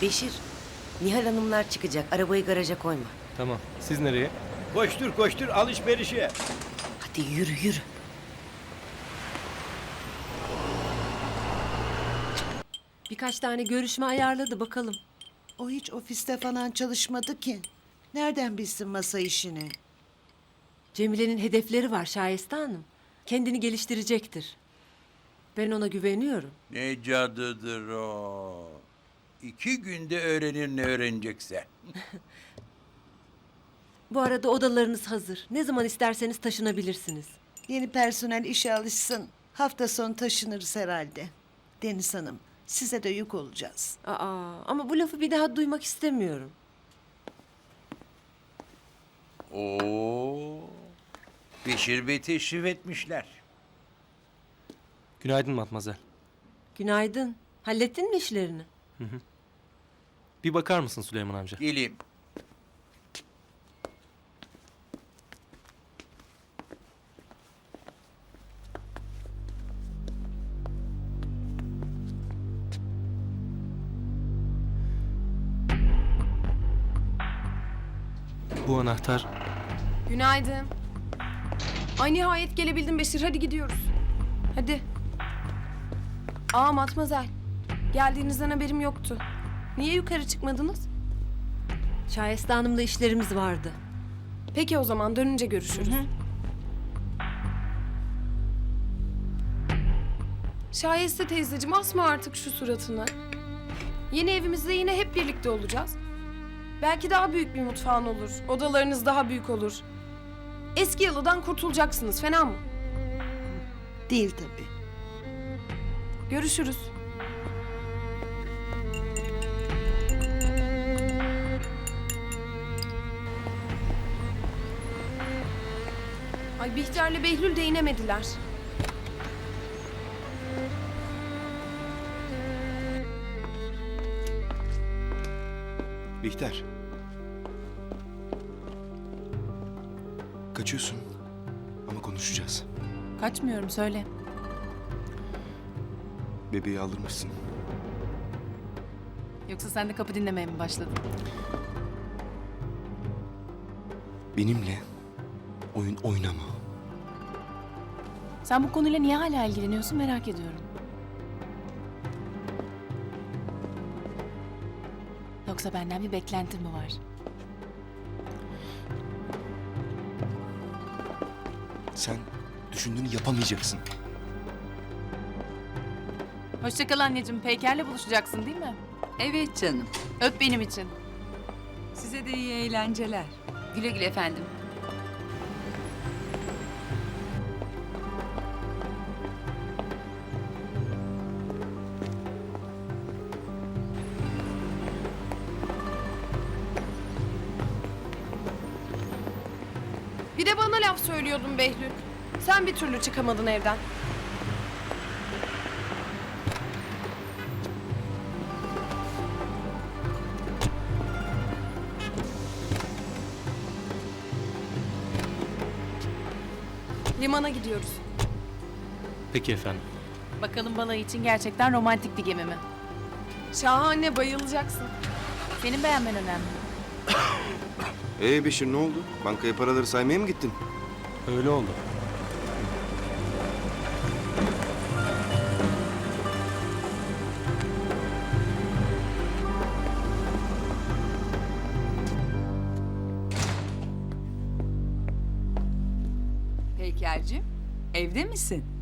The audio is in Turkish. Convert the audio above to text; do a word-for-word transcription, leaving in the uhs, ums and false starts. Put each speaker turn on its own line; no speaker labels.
Beşir, Nihal Hanımlar çıkacak. Arabayı garaja koyma.
Tamam. Siz nereye?
Koştur koştur alışverişe.
Hadi yürü yürü.
Birkaç tane görüşme ayarladı bakalım.
O hiç ofiste falan çalışmadı ki. Nereden bilsin masa işini?
Cemile'nin hedefleri var Şayeste Hanım. Kendini geliştirecektir. Ben ona güveniyorum.
Ne cadıdır o. İki günde öğrenir ne öğrenecekse.
Bu arada odalarınız hazır. Ne zaman isterseniz taşınabilirsiniz.
Yeni personel işe alışsın. Hafta sonu taşınırız herhalde. Deniz Hanım, size de yük olacağız.
Aa, ama bu lafı bir daha duymak istemiyorum.
Oo. Beşir Bey teşrif etmişler.
Günaydın Matmazel.
Günaydın. Hallettin mi işlerini?
Bir bakar mısın Süleyman amca?
Geleyim.
Bu anahtar
Günaydın. Ay nihayet gelebildin Beşir. Hadi gidiyoruz. Hadi. Aa Matmazel. Geldiğinizden haberim yoktu. Niye yukarı çıkmadınız?
Şayeste Hanım'la işlerimiz vardı.
Peki o zaman dönünce görüşürüz. Şayeste teyzeciğim asma artık şu suratını. Yeni evimizde yine hep birlikte olacağız. Belki daha büyük bir mutfağın olur. Odalarınız daha büyük olur. Eski yalıdan kurtulacaksınız. Fena mı?
Değil tabii.
Görüşürüz. Ay Bihter'le Behlül de inemediler.
Bihter. Kaçıyorsun ama konuşacağız.
Kaçmıyorum, söyle.
Bebeği aldırmışsın.
Yoksa sen de kapı dinlemeye mi başladın?
Benimle oyun oynama.
Sen bu konuyla niye hala ilgileniyorsun merak ediyorum. Yoksa benden bir beklentin mi var?
Sen düşündüğünü yapamayacaksın.
Hoşça kal anneciğim. Peyker'le buluşacaksın değil mi?
Evet canım.
Öp benim için.
Size de iyi eğlenceler. Güle güle efendim.
Bir de bana laf söylüyordun Behlül. Sen bir türlü çıkamadın evden. Limana gidiyoruz.
peki efendim.
Bakalım balayı için gerçekten romantik bir gemi mi?
Şahane, bayılacaksın.
Senin beğenmen önemli.
Ee Beşir ne oldu? Bankaya paraları saymaya mı gittin?
Öyle oldu.
Peyker'cim, evde misin?